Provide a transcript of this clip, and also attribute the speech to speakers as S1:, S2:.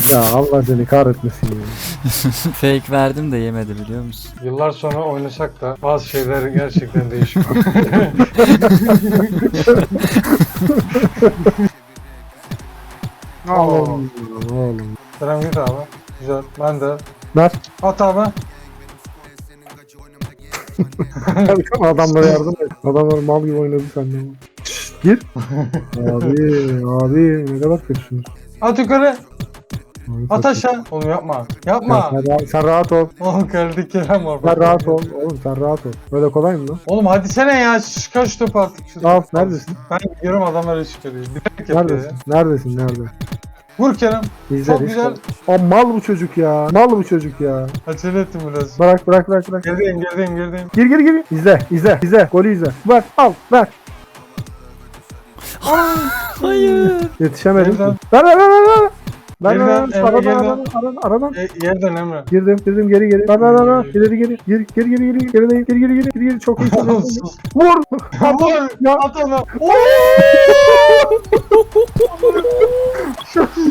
S1: Ya Allah seni kahretmesin ya.
S2: Fake verdim de yemedi biliyor musun?
S3: Yıllar sonra oynasak da bazı şeyler gerçekten değişiyor.
S1: Oğlum. Oğlum.
S3: Selam git abi. Güzel. Ben de.
S1: Ver.
S3: At abi.
S1: Adamlara yardım et. Adamlar mal gibi oynadı senden. Gir. Abi ne kadar kötüsün.
S3: At yukarı.
S1: Abi,
S3: At
S1: kötü.
S3: aşağı. Oğlum yapma. Yapma.
S1: Sen rahat ol.
S3: Oğlum kaldı Kerem var.
S1: Sen rahat ol. Oğlum sen rahat ol. Böyle kolay mı lan?
S3: Oğlum hadi sene ya. Kaç top artık.
S1: Al neredesin?
S3: Ben gidiyorum adamları çıkarıyor. Direkt yapıyor ya.
S1: Neredesin? Neredesin? Nerede?
S3: Vur Kerem.
S1: İzle
S3: Çok
S1: işte.
S3: güzel.
S1: O mal bu çocuk ya. Mal bu çocuk ya.
S3: Acele ettim biraz.
S1: Bırak.
S3: Gerideyim.
S1: Gir. İzle. Golü izle. Ver. Al. Ver.
S2: Hayır.
S1: Yetişemedim.
S3: Geriden.
S1: Ver.
S3: Geriden, Emre, geriden.
S1: Aradan.
S3: Yerden Emre.
S1: Girdim geri. Ver. İleri geri. Geri. Çok iyi.
S3: Sus.
S1: Vur.
S3: Vur.
S1: Ya.
S3: At onu.